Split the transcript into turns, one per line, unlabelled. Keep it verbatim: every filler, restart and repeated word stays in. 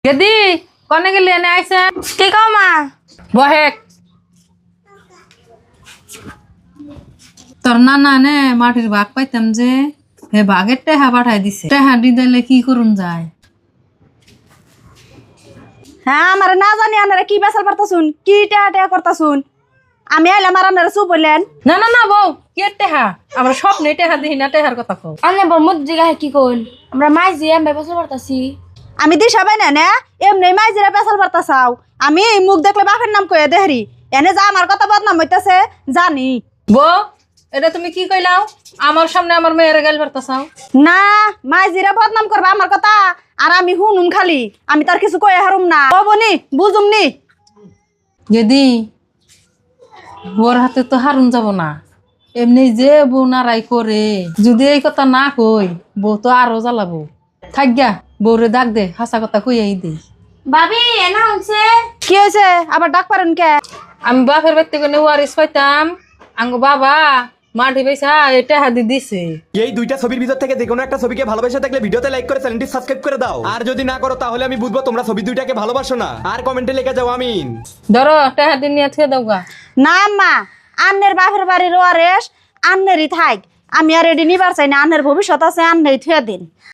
গেদি কনে গেলি এনে আইছে
কি কও মা?
বহেক তোর নানা নে মাটির ভাগ পাইতাম যে হে ভাগের টেহা পাঠাই দিছে টেহা দি দিলে কি করুন যায়।
হ্যাঁ আমার না জানি আনারা কি বেসাল পারতাছুন, কি টেহা টেহা করতাছুন। আমি আইলাম আর আনারা চুপ বললেন।
না না না বউ কি টেহা আমরা স্বপ্নে টেহা দিই না টেহার কথা কও।
আনে বর্মত জিগা কি কইল আমরা মাই যে আমি ব্যবসা করতাছি।
আমি দিশা পাই না না এমনি মাইজিরা বেসাল পারতাছাও। আমি মুখ দেখলে বাপের নাম কয়ে দেহরি এনে যা আমার কথা বদনাম হইতাছে জানি।
বউ এটা তুমি কি কইলাও আমার সামনে আমার মেয়ের গেল পারতাছাও।
না মাইজিরা বদনাম করবা আমার কথা আর আমি হুনুম খালি আমি তার কিছু কয়ে হারুম না। ও বনি বুঝুম নি।
গেদি ওর হাতে তো হারুন যাব না, এমনি যে বউ নারাই করে যদি এই কথা না কই বউ তো আরো জ্বালাবো। থাক গা বউরে ডাক দে হাসা কথা কইয়াই দে।
ভাবি এনা হইছে
কি হয়েছে আবার ডাক পারেন কে?
আমি বাপের বাড়িতে কোনো ওয়ারিস পাইতাম আঙ্গ বাবা মাটি পয়সা এটা হাদি দিছে।
এই দুইটা ছবির ভিতর থেকে যে কোনো একটা ছবিকে ভালোবাসা থাকলে ভিডিওতে লাইক করে চ্যানেলটি সাবস্ক্রাইব করে দাও। আর যদি না করো তাহলে আমি বুঝবো তোমরা ছবি দুইটাকে ভালোবাসো না। আর কমেন্টে লিখে যাও আমিন।
ধরো টেহা দিন নিয়ে থুয়ে দাও গা।
না মা আন্নের বাপের বাড়ির ওয়ারেস আন্নেরই থাক। আমি আর এডি নিবার চাই না, আন্নের ভবিষ্যৎ আছে আন্নেই থুয়ে দিন।